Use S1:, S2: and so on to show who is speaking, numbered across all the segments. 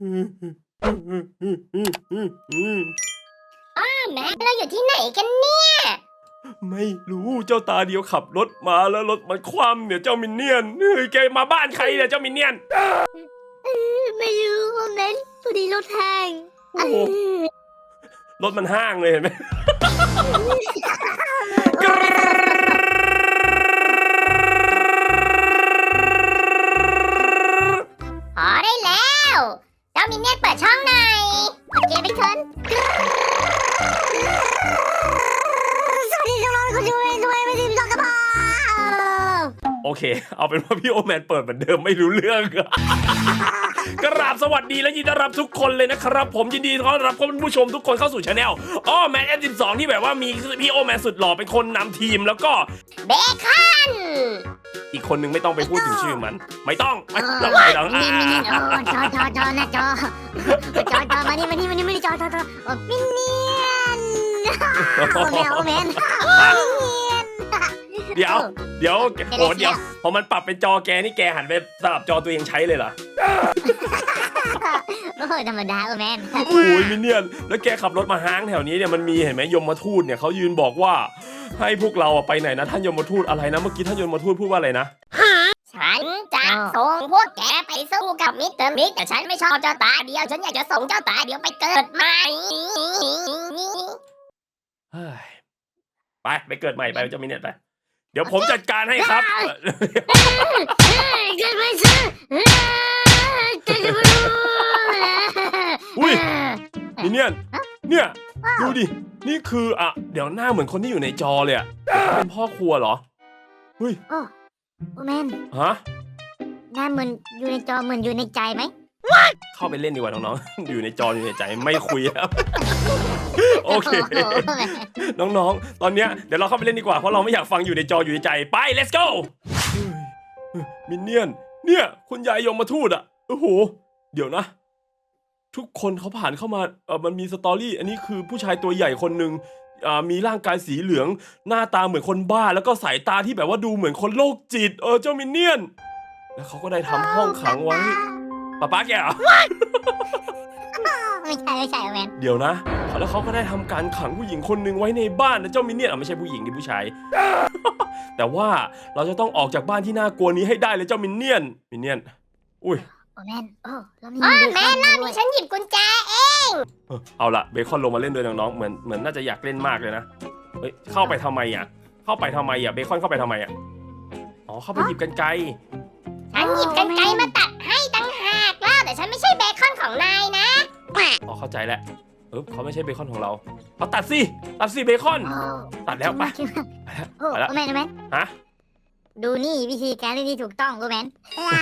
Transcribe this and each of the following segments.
S1: แม็กเราอยู่ที่ไหนกันเนี่ย
S2: ไม่รู้เจ้าตาเดียวขับรถมาแล้วรถมันคว่ำเนี่ยเจ้ามินเนี่ยนเฮ้ยแกมาบ้านใครเนี่ยเจ้ามินเนี่ยน
S1: ไม่รู้แม็กพอดีรถแห้ง
S2: โอ้โหรถมันห้างเลยเห็นไหม
S1: พอได้แล้วเจ้ามินเนี่ยนเปิดช่องหน่อยโอเคไปชนสวัสดีน้องๆคุณด้วยไม่ดีพี่น้องกระเพา
S2: โอเคเอาเป็นว่าพี่โอแมนเปิดเหมือนเดิมไม่รู้เรื่องกราบสวัสดีและยินดีต้อนรับทุกคนเลยนะครับผมยินดีต้อนรับคุณผู้ชมทุกคนเข้าสู่ช anel อ้อแมน F12 ที่แบบว่ามีพี่โอแมนสุดหล่อเป็นคนนำทีมแล้วก็
S1: เบคอน
S2: อีกคนนึงไม่ต้องไปพูดถึงชื่อมันไม่ต้องไม่ต้อง
S1: มินเนี่ยจอนะจอมานี่จอมินเนี่ยนโอแมน
S2: เดี๋ยวโอ้เดี๋ยวพอมันปรับเป็นจอแกนี่แกหันไปสลับจอตัวเองใช้เลยเหรอ
S1: โอ้ธรรมดาโอแมน
S2: โอ้ยมินเนี่ยนแล้วแกขับรถมาห้างแถวนี้เนี่ยมันมีเห็นไหมยมทูตเนี่ยเขายืนบอกว่าให้พวกเราไปไหนนะท่านยมทูตอะไรนะเมื่อกี้ท่านยมทูตพูดว่าอะไรนะ
S1: ฉันจะส่งพวกแกไปสู้กับมิสเตอร์มิกแต่ฉันไม่ชอบเจ้าตาเดียวฉันอยากจะส่งเจ้าตาเดียวไปเกิดใหม่
S2: ไปเกิดใหม่ไปเจ้ามินเนี่ยนไปเดี๋ยวผมจัดการให้ครับ
S1: เกิดไม่ใช่
S2: อุ้ยมินเนี่ยดูดินี่คือเดี๋ยวหน้าเหมือนคนที่อยู่ในจอเลยอ่ะเป็นพ่อครัวเหรอเฮ้ย
S1: โอ้แมน
S2: ฮะ
S1: หน้าเหมือนอยู่ในจอเหมือนอยู่ในใจไหม
S2: เข้าไปเล่นดีกว่าน้องๆอยู่ในจออยู่ในใจไม่คุยแล้วโอเคน้องๆตอนเนี้ยเดี๋ยวเราเข้าไปเล่นดีกว่าเพราะเราไม่อยากฟังอยู่ในจออยู่ในใจไป let's go มินเนี่ยคุณยายยมทูตโอ้โหเดี๋ยวนะทุกคนเขาผ่านเข้ามามันมีสตอรี่อันนี้คือผู้ชายตัวใหญ่คนหนึ่งมีร่างกายสีเหลืองหน้าตาเหมือนคนบ้าแล้วก็สายตาที่แบบว่าดูเหมือนคนโรคจิตเจ้ามินเนี่ยนแล้วเขาก็ได้ทำห้องขังไว้ป๊าแกเหรอ
S1: ไม่ใช่แมน
S2: เดี๋ยวนะแล้วเขาก็ได้ทำการขังผู้หญิงคนหนึ่งไว้ในบ้านนะเจ้ามินเนี่ยนไม่ใช่ผู้หญิงดิผู้ชายแต่ว่าเราจะต้องออกจากบ้านที่น่ากลัวนี้ให้ได้เลยเจ้ามินเนี่ยนอุ้ย
S1: แมนแมนรอบนี้ฉันหยิบกุญแจเอง
S2: เอาล่ะเบคอนลงมาเล่นด้วยน้องๆเหมือนน่าจะอยากเล่นมากเลยนะเฮ้ยเข้าไปทำไมเบคอนเข้าไปทำไมอ๋อเข้าไปหยิบกรรไกร
S1: ฉันหยิบกรรไกรมาตัดให้ตั้งหากแล้วแต่ฉันไม่ใช่เบคอนของนายนะ
S2: อ๋อเข้าใจแล้วเขาไม่ใช่เบคอนของเราเขาตัดสิเบคอนตัดแล้วไป
S1: แล้วแมน
S2: ฮะ
S1: ดูนี่วิธีการเล่นที่ถูกต้องแมน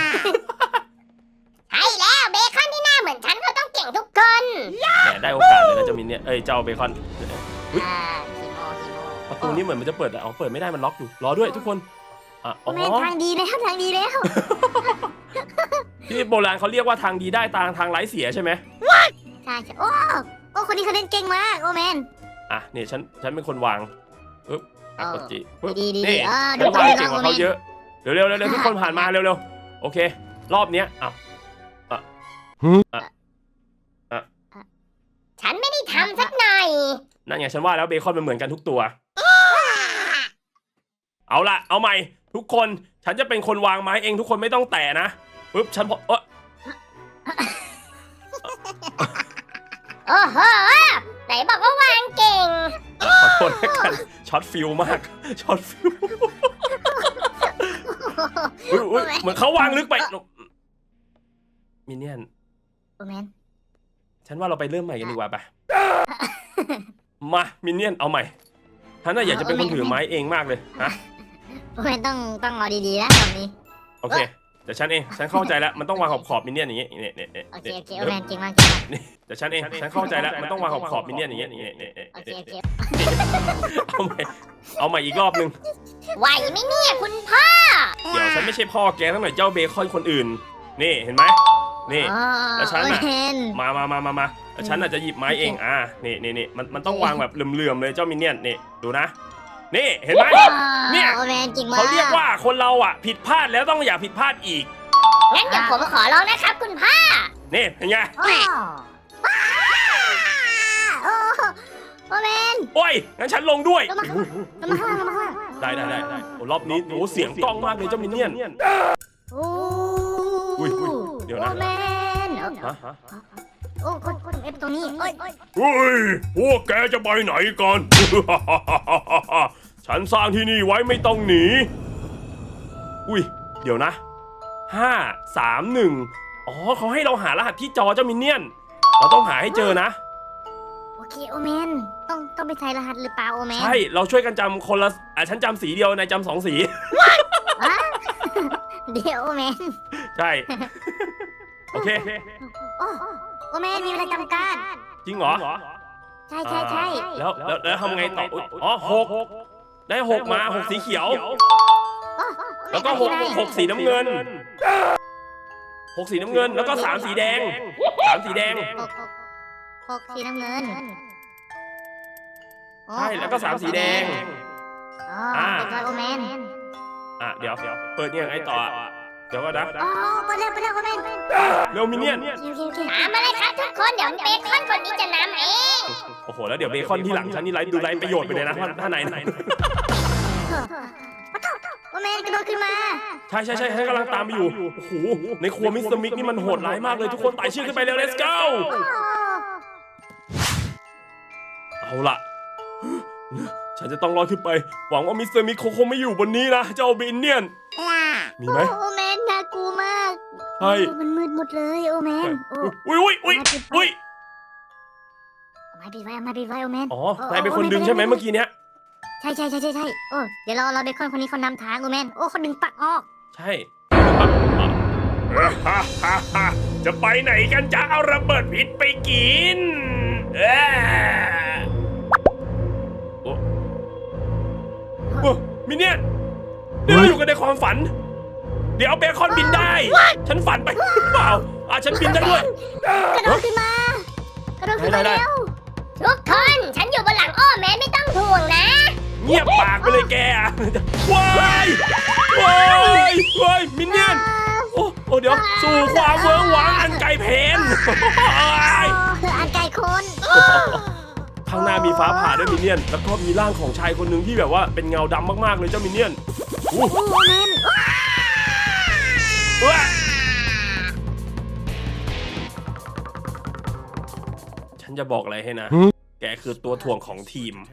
S1: ใช่แล้วเบคอนที่หน้าเหมือนฉันเขาต้องเก่งทุกคน
S2: แหมได้โอกาสเลยนะเจ้ามินเนี่ยเจ้าเบคอนประตูนี้เหมือนมันจะเปิดเปิดไม่ได้มันล็อกอยู่รอด้วยทุกคน
S1: แม่ทางดีแล้ว
S2: ที่โบราณเขาเรียกว่าทางดีได้ทางไร้เสียใช่ไหม
S1: ใช่โอ้คนนี้เขาเล่นเก่งมากโอแมน
S2: เนี่ยฉันเป็นคนวางกดจี
S1: ดี
S2: นี่ฉันวางเก่งกว่าเขาเยอะเร็วทุกคนผ่านมาเร็วโอเครอบเนี้ย
S1: ฉันไม่ได้ทำสักหน่อย
S2: นั่นไงฉันว่าแล้วเบคอนมันเหมือนกันทุกตัวเอาล่ะเอาใหม่ทุกคนฉันจะเป็นคนวางไม้เองทุกคนไม่ต้องแตะนะปึ๊บฉันโ
S1: อ้โหไหนบอกว่าวางเก่ง
S2: ขอโทษแล้วกันช็อตฟิลมากช็อตฟิลเหมือนเขาวางลึกไปมินเนี่ยนฉันว่าเราไปเริ่มใหม่กันดีกว่าไปมามินเนี่ยนเอาใหม่ฉันน่ะอยากจะเป็นคนถือไม้เองมากเลยฮะ
S1: ไม่ต้องเอาดีๆนะตอนนี้
S2: โอเคแต่ฉันเข้าใจแล้วมันต้องวางขอบมินเนี่ยนอย่างงี้
S1: เนี่ยโอเคโอแมนจริงมาก
S2: แต่ฉันเข้าใจแล้วมันต้องวางขอบมินเนี่ยนอย่างงี้
S1: โอเค
S2: เอาใหม่อีกรอบนึง
S1: ไหวไหมเนี่ยคุณพ่อ
S2: เดี๋ยวฉันไม่ใช่พ่อแกทั้งหน่อยเจ้าเบคอนคนอื่นนี่เห็นไหมนี่แล้วฉันมาแล้วฉันอาจจะหยิบไม้เองนี่มันต้องวางแบบเหลื่อมๆเลยเจ้ามินเนี่ยนนี่ดูนะนี่เห็นไหมเนี่ยเขาเรียกว่าคนเราผิดพลาดแล้วต้องอย่าผิดพลาดอีก
S1: งั้นเดี๋ยวผมขอลองนะครับคุณพ่อ
S2: นี่เป็นไง
S1: โอ้โอเมน
S2: โอ้ยงั้นฉันลงด้วย
S1: ลงมาข้างล่างลงมาข้างล่าง
S2: ได้โอ้รอบนี้โอ้เสียงกล้องมากเลยเจ้ามินเนี่ยน
S1: โอ้
S2: อุ้ยเดี๋ยวนะ
S1: โอเมน
S2: ฮะ
S1: โอ้คนเอฟตรงนี้โอ้ย
S2: เฮ้ยพวกแกจะไปไหนกัน ฉันสร้างที่นี่ไว้ไม่ต้องหนีอุ้ยเดี๋ยวนะ5 3 1อ๋อเขาให้เราหารหัสที่จอเจ้ามินเนี่ยนเราต้องหาให้เจอนะ
S1: โอเคโอเมนต้องไปใส่รหัสหรือเปล่าโอเมน
S2: ใช่เราช่วยกันจำคนละฉันจำสีเดียวนายจำ2 สี
S1: เดี๋ยวโอเมน
S2: ใช่ โอเค
S1: โอเมนมีเวลาจำกัด
S2: จริงเหรอ
S1: ใช่
S2: แล้วทำไงต่ออ๋อ6ได้6มา6สีเขียว แล้วก็6สีน้ำเงิน6สีน้ำเงินแล้วก็3สีแดง3สีแดง
S1: หกสีน้ำเงิน
S2: ใช่แล้วก็3สีแดง
S1: เป็นตัวโอเมน
S2: เดี๋ยวเปิดเนี่ยไงต่อเดี๋ยวก็นะ
S1: ไปเร็วโอเมน
S2: เร็วมินเนี่ยน
S1: ตามมาเลยครับทุกคนเดี๋ยวเบคอนคนนี้จะนำเอง
S2: โอ้โหแล้วเดี๋ยวเบคอนที่หลังฉันนี่ดูไรประโยชน์ไปเลยนะถ้าไหน
S1: โอเมนกระโดดขึ้นมา
S2: ใช่ให้กำลังตามไปอยู่โอ้โหในครัวมิสเตอร์มิกนี่มันโหดร้ายมากเลยทุกคนไต่ชื่อขึ้นไปเร็ว let's go เอาล่ะ ฉันจะต้องรอดขึ้นไปหวังว่ามิสเตอร์มิกคงไม่อยู่บนนี้นะเจ้าบินเนี่ยนมีไหม
S1: โอเมนน่ากลัวมาก
S2: ใช่
S1: มันมืดหมดเลยโอเมน
S2: อุ้ย
S1: ไม่ปิดไว้โอเมน
S2: อ๋อนายเป็นคนดึงใช่ไหมเมื่อกี้เนี้ย
S1: ใช่โอ้เดี๋ยวเราเบคอนคนนี้เขานำทางโอเมนโอ้เขาดึงปลักออก
S2: ใช่จะไปไหนกันจะเอาระเบิดพิษไปกินโอ้มินเนี่ยนนี่เราอยู่กันในความฝัน เดี๋ยวเบคอนบินได้ ฉันฝันไปเปล่าฉันบินได้ด้วย
S1: กระโดดขึ้นมาเร็วทุกคนฉันอยู่บนหลังอ้อแม่ไม่ต้องห่วงนะ
S2: เงียบปากไปเลยแกว้ายมินเนี่ยนโอ้เดี๋ยวสู่ความเวิ้งว้างอันไกลเพน
S1: อันไกลคน
S2: ข้างหน้ามีฟ้าผ่าด้วยมินเนี่ยนแล้วก็มีร่างของชายคนหนึ่งที่แบบว่าเป็นเงาดำมากๆเลยเจ้ามินเนี่ยน
S1: โอเมน
S2: ฉันจะบอกอะไรให้นะ แกคือตัวถ่วงของทีม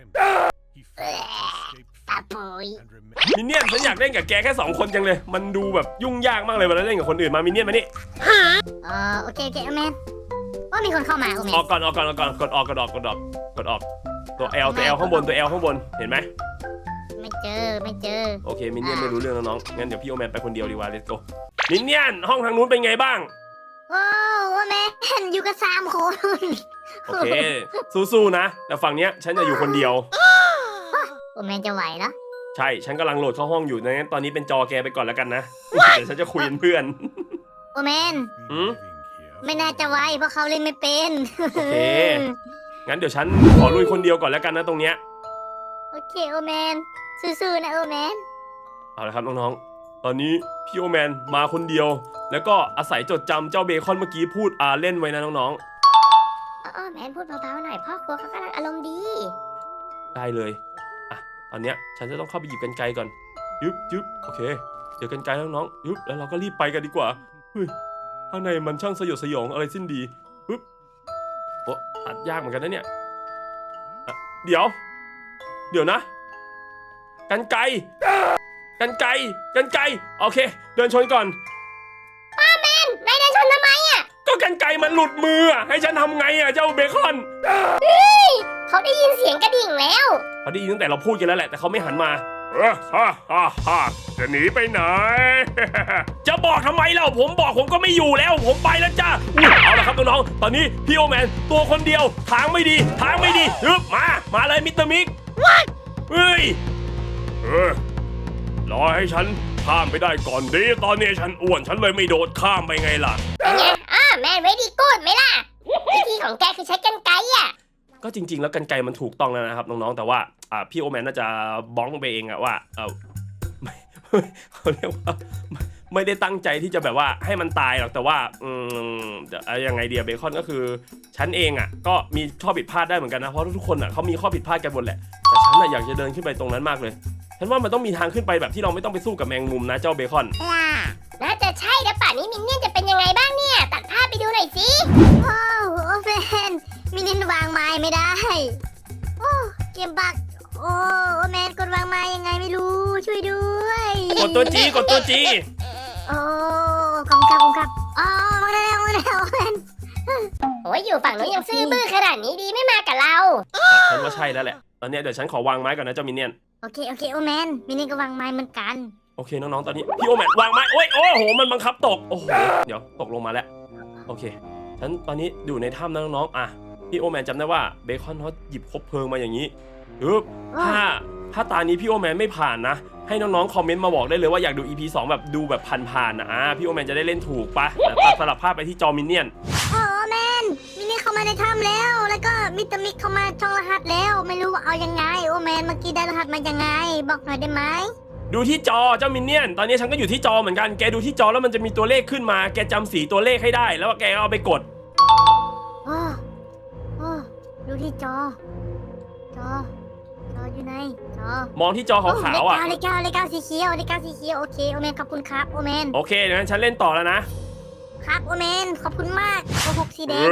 S1: ตาปุย
S2: มินเนี่ยนฉันอยากเล่นกับแกแค่2 คนจังเลย มันดูแบบยุ่งยากมากเลยเวลาเล่นกับคนอื่นมามินเนี่ยนมานี่
S1: โอเคโอเมนว่ามีคนเข้ามาโอเมน
S2: ออกก่อนกดออกตัว L ข้างบนเห็นไหม
S1: ไม่เจอ
S2: โอเคมินเนี่ยนไม่รู้เรื่องแล้วน้องงั้นเดี๋ยวพี่โอแมนไปคนเดียวดีกว่า let's go มินเนี่ยนห้องทางนู้นเป็นไงบ้าง
S1: โอ้โอเมนอยู่กัน3 คน
S2: โอเคสู้ๆนะแต่ฝั่งเนี้ยฉันจะอยู่คนเดียว
S1: โอเมนจะไหวเหรอ
S2: ใช่ฉันกำลังโหลดเข้าห้องอยู่ดังนั้นตอนนี้เป็นจอแกไปก่อนแล้วกันนะเดี๋ยวฉันจะคุยกับเพื่อน
S1: โอเมนไม่น่าจะไหวเพราะเขาเล่นไม่เป็น
S2: โอเคงั้นเดี๋ยวฉันขอลุยคนเดียวก่อนแล้วกันนะตรงเนี้ย
S1: โอเคโอเมนสู้ๆนะโอเมน
S2: เอาละครับน้องๆตอนนี้พี่โอแมนมาคนเดียว แล้วก็อาศัยจดจำเจ้าเบคอนเมื่อกี้พูดเล่นไว้นะน้อง
S1: โอเมนพูดเบาๆหน่อยพ่อครัวเขากำลังอารมณ์ดี
S2: ๆได้เลยตอนเนี้ยฉันจะต้องเข้าไปหยิบกรรไกรก่อนยึบโอเคเดี๋ยวกรรไกรแล้วน้องยึบแล้วเราก็รีบไปกันดีกว่าเฮ้ยข้างในมันช่างสยดสยองอะไรสิ้นดีปึ๊บโอ้ตัดยากเหมือนกันนะเนี่ยเดี๋ยวนะกรรไกรโอเคเดินชนก่อน
S1: นายเดินชนทำไมอ่ะ
S2: ก็กรรไกรมันหลุดมือให้ฉันทำไงเจ้าเบคอน
S1: เขาได้ยินเสียงกระดิ่งแล้ว
S2: เขาได้ยินตั้งแต่เราพูดกันแล้วแหละแต่เขาไม่หันมาจะหนีไปไหน จะบอกทำไมเล่าผมบอกผมก็ไม่อยู่แล้วผมไปแล้วจ้าเอาละครับน้องๆตอนนี้พี่โอแมนตัวคนเดียวทางไม่ดีฮึบมาเลยมิสเตอร์มิกเฮ้ยรอให้ฉันข้ามไปได้ก่อนดีตอนนี้ฉันอ้วนฉันเลยไม่โดดข้ามไปไงล่ะ
S1: เป็นไงแมนเวดี้กูดไหมล่ะวิธีของแกคือใช้กรรไกรอ่ะ
S2: ก็จริงๆแล้วกรรไกรมันถูกต้องแล้วนะครับน้องๆแต่ว่าพี่โอแมนน่าจะบ้องไปเองอะว่าเขาเรียกว่าไม่ได้ตั้งใจที่จะแบบว่าให้มันตายหรอกแต่ว่ายังไงเดียเบคอนก็คือฉันเองอ่ะก็มีข้อผิดพลาดได้เหมือนกันนะเพราะทุกคนอ่ะเขามีข้อผิดพลาดกันหมดแหละแต่ฉันน่ะอยากจะเดินขึ้นไปตรงนั้นมากเลยฉันว่ามันต้องมีทางขึ้นไปแบบที่เราไม่ต้องไปสู้กับแมงมุมนะเจ้าเบคอน
S3: น่าจะใช่แล้วป่านนี้มินเนี่ยนจะเป็นยังไงบ้างเนี่ยตัดภาพไปดูหน่อยสิ
S1: โอ้แมนมินินวางไม้ไม่ได้โอ้เกมบักโอ้แมนกดวางไม้ยังไงไม่รู้ช่วยด้วย
S2: กดตัวจีกดตัวจี
S1: โอ้ขอบคุณครับอ๋อมาแล้วแมน
S3: โอ้ยอยู่ฝั่งนู้นยังซื่อบื้อขนาดนี้ดีไม่มากับเรา
S2: ฉันว่าใช่แล้วแหละตอนนี้เดี๋ยวฉันขอวางไม้ก่อนนะเจ้ามินเนี่ยน
S1: โอเคโอ้แมนมินิก็วางไม้เหมือนกัน
S2: โอเคน้องๆตอนนี้พี่โอแมนวางไม้โอ้โหมันบังคับตกโอ้โหเดี๋ยวตกลงมาแล้วโอเคฉันตอนนี้อยู่ในถ้ำนะน้องๆอ่ะพี่โอแมนจำได้ว่าเบคอนเขาหยิบคบเพลิงมาอย่างนี้ปึ๊บถ้าตานี้พี่โอแมนไม่ผ่านนะให้น้องๆคอมเมนต์มาบอกได้เลยว่าอยากดู EP 2แบบดูแบบผ่านๆนะพี่โอแมนจะได้เล่นถูกปะแต่ตัดสลับภาพไปที่จอมินเนี่ยน
S1: โอ้แมนมินิเข้ามาในถ้ำแล้วก็มิสเตอร์มิกเข้ามาช่องรหัสแล้วไม่รู้ว่าเอายังไงโอ้แมนเมื่อกี้ได้รหัสมายังไงบอกหน่อยได้ไหม
S2: ดูที่จอเจ้ามินเนี่ยนตอนนี้ฉันก็อยู่ที่จอเหมือนกันแกดูที่จอแล้วมันจะมีตัวเลขขึ้นมาแกจำสีตัวเลขให้ได้แล้วแกเอาไปกด
S1: โอ้ดูที่จออยู่ไหนจอ
S2: มองที่จอขาวๆอ่ะ
S1: เลขเก้าสีเขียวโอเคโอแมนขอบคุณครับโอแมน
S2: โอเคงั้นฉันเล่นต่อแล้วนะครับ
S1: โอแมนขอบคุณมากโอ้หกสีแดง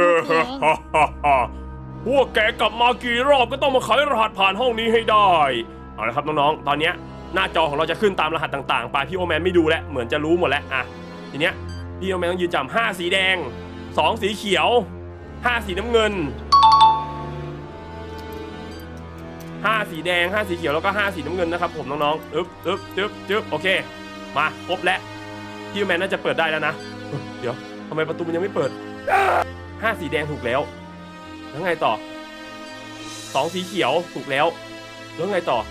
S2: พวกแกกลับมากี่รอบก็ต้องมาไขรหัสผ่านห้องนี้ให้ได้เอาละครับน้องๆตอนเนี้ยหน้าจอของเราจะขึ้นตามรหัสต่างๆไปพี่โอแมนไม่ดูแล้วเหมือนจะรู้หมดแล้วอ่ะทีเนี้ยพี่โอแมนต้องยืนจำ5สีแดง2สีเขียว5สีน้ำเงิน5สีแดง5สีเขียวแล้วก็5สีน้ำเงินนะครับผมน้องๆจึ๊บโอเคมาครบแล้วพี่โอแมนน่าจะเปิดได้แล้วนะเดี๋ยวทำไมประตูมันยังไม่เปิด5สีแดงถูกแล้วแล้วไงต่อ2สีเขียวถูกแล้วแล้วไงต่อ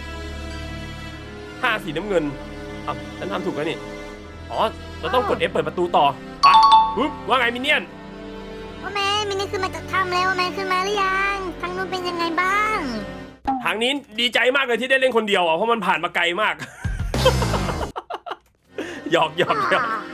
S2: 5สีน้ำเงินอ่ะฉันทำถูกแล้วนี่อ๋อเราต้องกด F เปิดประตูต่อไปปึ๊บว่าไงมินเนี่ยน
S1: โอแมนมินิขึ้นมาจากถ้ำแล้วโอแมนขึ้นมาหรือยังทางนู้นเป็นยังไงบ้าง
S2: ทางนี้ดีใจมากเลยที่ได้เล่นคนเดียวอ่ะเพราะมันผ่านมาไกลมาก หยอกโอเค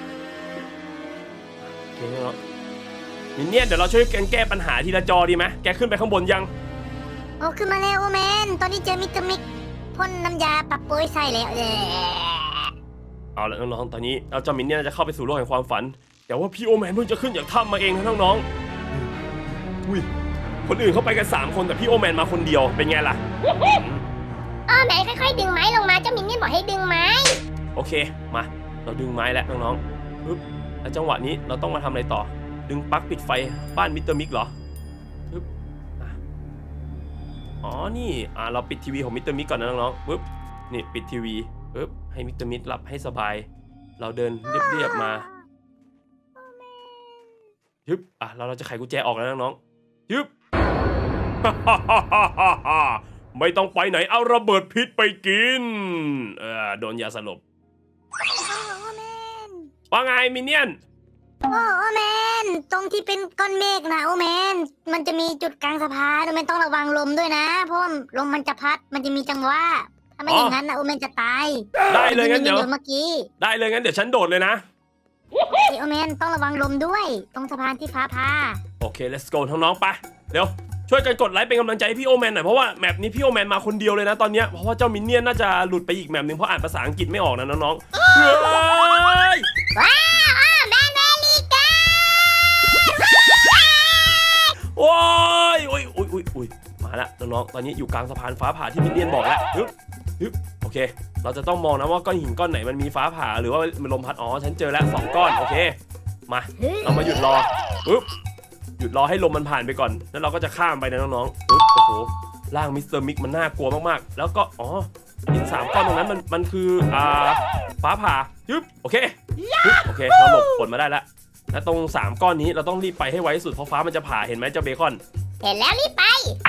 S2: เนาะมินเนี่ยนเดี๋ยวเราช่วยกันแก้ปัญหาทีละจอดีไหมแกขึ้นไปข้างบนยัง
S1: โอ้ขึ้นมาแล้วโอแมนตอนนี้เจอมิสเตอร์มิกพ่นน้ำยาปรับโป้ยใส่แล้ว
S2: เอาละน้องๆตอนนี้เราเจ้ามินเนี่ยนจะเข้าไปสู่โลกแห่งความฝันแต่ว่าพี่โอแมนเพิ่งจะขึ้นจากถ้ำมาเองนะน้องๆอุ้ยคนอื่นเขาไปกัน3คนแต่พี่โอแมนมาคนเดียวเป็นไงล่ะ
S3: อ้อแม่ค่อยๆดึงไม้ลงมาเจ้ามินเนี่ยนบอกให้ดึงไม้
S2: โอเคมาเราดึงไม้แล้วน้องๆปึ๊บแล้วจังหวะนี้เราต้องมาทำอะไรต่อดึงปลั๊กปิดไฟบ้านมิสเตอร์มิกเหรอปึ๊บอ๋อนี่เราปิดทีวีของมิสเตอร์มิกก่อนนะน้องๆปึ๊บนี่ปิดทีวีปึ๊บให้มิสเตอร์มิกหลับให้สบายเราเดินเรียบๆมายึบเราจะไขกุญแจออกแล้วน้องๆยึบ ไม่ต้องไปไหนเอาระเบิดพิษไปกินโดนยาสลบ
S1: โอแมน
S2: ว่าไงมินเนี่ยน
S1: โอแมนตรงที่เป็นก้อนเมฆนะโอแมนมันจะมีจุดกลางสะพานโอแมนต้องระวังลมด้วยนะเพราะว่าลมมันจะพัดมันจะมีจังหวะถ้าไม่อย่างนั้นนะโอแมนจะตาย
S2: ได้เลยงั้นเดี๋ยว
S1: เมื่อกี้
S2: ได้เลยงั้นเดี๋ยวฉันโดดเลยนะ
S1: โอแมนต้องระวังลมด้วยตรงสะพานที่ฟ้าผ่า
S2: โอเค let's go น้องๆไปเดี๋ยวช่วยกันกดไลค์เป็นกำลังใจให้พี่โอแมนหน่อยเพราะว่าแมปนี้พี่โอแมนมาคนเดียวเลยนะตอนเนี้ยเพราะว่าเจ้ามินเนี่ยนน่าจะหลุดไปอีกแมปนึงเพราะอ่านภาษาอังกฤษไม่ออกนะน้องๆเฮ้ย
S3: ว้าวแม่เมลิกา
S2: โอ้ยมาละน้องๆตอนนี้อยู่กลางสะพานฟ้าผ่าที่มินเนี่ยนบอกแล้วฮึบโอเคเราจะต้องมองนะว่าก้อนหินก้อนไหนมันมีฟ้าผ่าหรือว่ามันลมพัดฉันเจอแล้ว2ก้อนโอเคมาเรามาหยุดรอปึ๊บหยุดรอให้ลมมันผ่านไปก่อนแล้วเราก็จะข้ามไปนะน้องๆปึ๊บโอ้โหร่างมิสเตอร์มิกมันน่ากลัวมากๆแล้วก็หิน3ก้อนตรงนั้นมันคือฟ้าผ่ายึบโอเคโอเคเราหลบฝนมาได้แล้วและตรง3ก้อนนี้เราต้องรีบไปให้ไวที่สุดเพราะฟ้ามันจะผ่าเห็นไหมเจ้าเบคอน
S3: เห็นแล้วรีบไป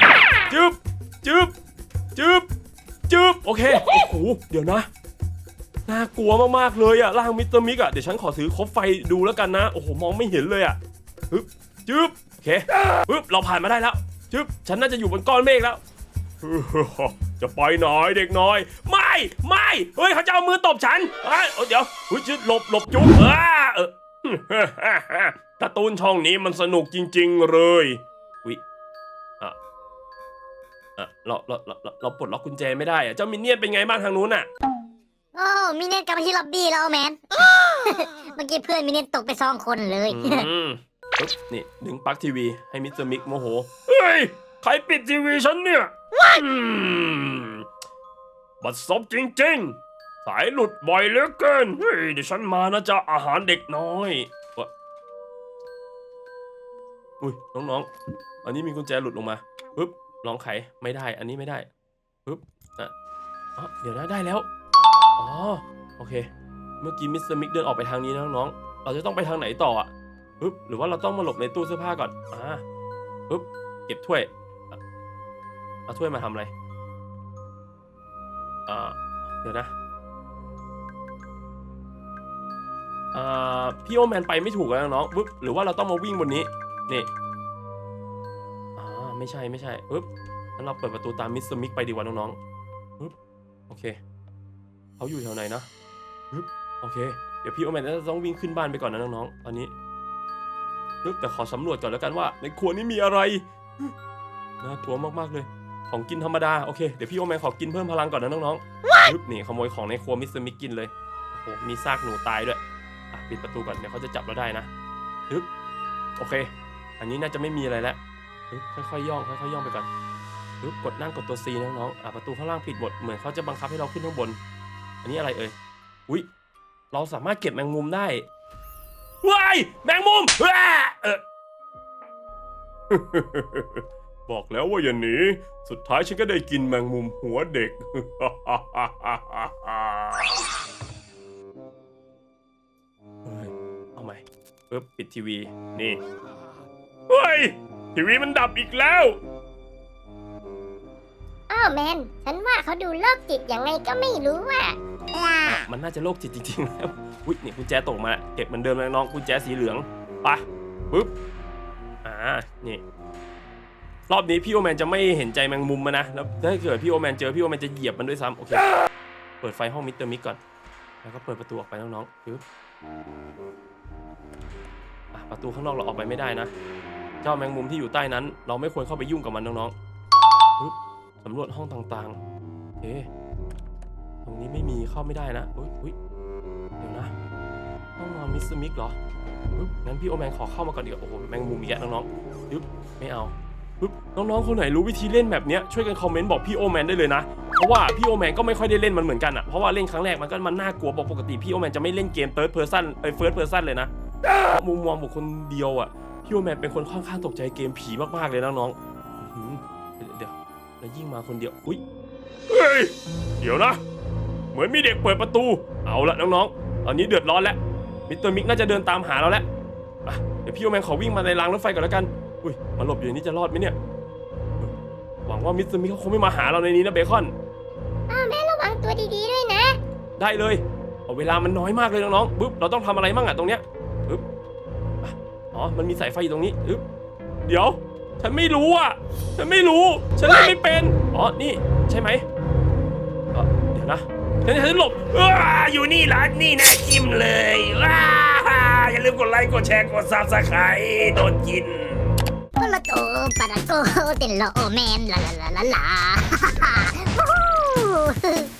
S2: จึ๊บโอเคโอ้โหเดี๋ยวนะน่ากลัวมากๆเลยอะร่างมิสเตอร์มิกอะเดี๋ยวฉันขอซื้อคบไฟดูแล้วกันนะโอ้โหมองไม่เห็นเลยอะจึ๊บโอเคเราผ่านมาได้แล้วจึ๊บฉันน่าจะอยู่บนก้อนเมฆแล้วจะไปไหนเด็กน้อยไม่ไม่เฮ้ยเขาจะเอามือตบฉันเดี๋ยวอุ้ยจุดหลบจุ๊บการ์ตูนช่องนี้มันสนุกจริงๆเลยอุ้ยเราปลดล็อกกุญแจไม่ได้เจ้ามินเนี่ยนเป็นไงบ้างทางนู้น
S1: โอ้มินเนี่ยนกลับมาที่ล็อบบี้แล้วแมน เมื่อกี้เพื่อนมินเนี่ยนตกไป2 คนเลย
S2: นี่ดึงปลั๊กทีวีให้มิสเตอร์มิกโมโหเฮ้ยใครปิดทีวีฉันเนี่ยบัดซบจริงๆสายหลุดบ่อยเหลือเกินเฮ้ยเดี๋ยวฉันมานะจ๊ะอาหารเด็กน้อยอุ้ยน้องๆอันนี้มีกุญแจหลุดลงมาปึ๊บลองไขไม่ได้อันนี้ไม่ได้ปึ๊บเดี๋ยวนะได้แล้วอ๋อโอเคเมื่อกี้มิสเตอร์มิกเดินออกไปทางนี้นะน้องๆเราจะต้องไปทางไหนต่อปึ๊บหรือว่าเราต้องมาหลบในตู้เสื้อผ้าก่อนปึ๊บเก็บถ้วยเอาถ้วยมาทำอะไรเดี๋ยวนะพี่โอแมนไปไม่ถูกแล้วน้องปึ๊บหรือว่าเราต้องมาวิ่งบนนี้นี่ไม่ใช่ปึ๊บงั้นเราเปิดประตูตามมิสเตอร์มิกไปดีกว่าน้องๆปึ๊บโอเคเขาอยู่แถวไหนนะปึ๊บโอเคเดี๋ยวพี่โอแมนจะต้องวิ่งขึ้นบ้านไปก่อนนะน้องๆตอนนี้แต่ขอสำรวจก่อนแล้วกันว่าในครัวนี้มีอะไรน่ากลัวมากๆเลยของกินธรรมดาโอเคเดี๋ยวพี่โอแมนขอกินเพิ่มพลังก่อนนะน้องๆปึ๊บนี่ขโมยของในครัวมิสเตอร์มิกกินเลยโอ้โหมีซากหนูตายด้วยปิดประตูก่อนเดี๋ยวเขาจะจับเราได้นะปึ๊บโอเคอันนี้น่าจะไม่มีอะไรแล้วปึ๊บค่อยๆย่องไปก่อนปึ๊บกดนั่งกดตัว C นะน้องประตูข้างล่างปิดหมดเหมือนเขาจะบังคับให้เราขึ้นข้างบนอันนี้อะไรอุ๊ยเราสามารถเก็บแมงมุมได้ว้ายแมงมุมบอกแล้วว่าอย่าหนีสุดท้ายฉันก็ได้กินแมงมุมหัวเด็ก เอาใหม่ปึ๊บปิดทีวีนี่เฮ้ยทีวีมันดับอีกแล้ว
S3: อ้าวแมนฉันว่าเขาดูโรคจิตยังไงก็ไม่รู้
S2: มันน่าจะโรคจิตจริงๆแล้วอุ๊ยนี่กุญแจตกมาเก็บเหมือนเดิมเลยน้องกุญแจสีเหลืองไปปึ๊บนี่รอบนี้พี่โอแมนจะไม่เห็นใจแมงมุมนะแล้วถ้าเกิดพี่โอแมนเจอพี่โอแมนจะเหยียบมันด้วยซ้ำโอเคเปิดไฟห้องมิสเตอร์มิกก่อนแล้วก็เปิดประตูออกไปน้องๆปึ๊บประตูข้างนอกเราออกไปไม่ได้นะเจ้าแมงมุมที่อยู่ใต้นั้นเราไม่ควรเข้าไปยุ่งกับมันน้องๆปึ๊บสำรวจห้องต่างๆโอเคตรงนี้ไม่มีเข้าไม่ได้นะอุ๊ยเดี๋ยวนะห้องนอนมิสเตอร์มิกเหรอปึ๊บงั้นพี่โอแมนขอเข้ามาก่อนดีกว่าโอ้โหแมงมุมอีกแล้วน้องๆปึ๊บไม่เอาปึ๊บน้องๆคนไหนรู้วิธีเล่นแบบนี้ช่วยกันคอมเมนต์บอกพี่โอแมนได้เลยนะเพราะว่าพี่โอแมนก็ไม่ค่อยได้เล่นมันเหมือนกันเพราะว่าเล่นครั้งแรกมันน่ากลัวปกติพี่โอแมนจะไม่เล่นเกม third person first person เลยนะมุมมองบุคคลเดียวพี่โอแมนเป็นคนค่อนข้างตกใจเกมผีมากๆเลยนะน้องเดี๋ยวแล้วยิ่งมาคนเดียวอุ๊ยเฮ้ยเดี๋ยวนะเหมือนมีเด็กเปิดประตูเอาละน้องๆตอนนี้เดือดร้อนแล้วมิสเตอร์มิกน่าจะเดินตามหาเราแล้วเดี๋ยวพี่โอแมนขอวิ่งมาในรางรถไฟก่อนแล้วกันอุ้ยมาหลบอยู่ในนี้จะรอดไหมเนี่ยหวังว่ามิสเตอร์มิกเขาคงไม่มาหาเราในนี้นะเบคอน
S3: แม่ระวังตัวดีๆด้วยนะ
S2: ได้เลยเวลามันน้อยมากเลยน้องๆปึ๊บเราต้องทำอะไรมั่งตรงเนี้ยปึ๊บมันมีสายไฟอยู่ตรงนี้ปึ๊บเดี๋ยวฉันไม่รู้ฉันเล่นไม่เป็นนี่ใช่ไหมเดี๋ยวนะฉันหลบอยู่นี่ร้านนี่นะจิ้มเลยอย่าลืมกดไลค์กดแชร์กดซับสไครต์โดนกิน
S1: ปะโตปะโตเต้นโลแมนลา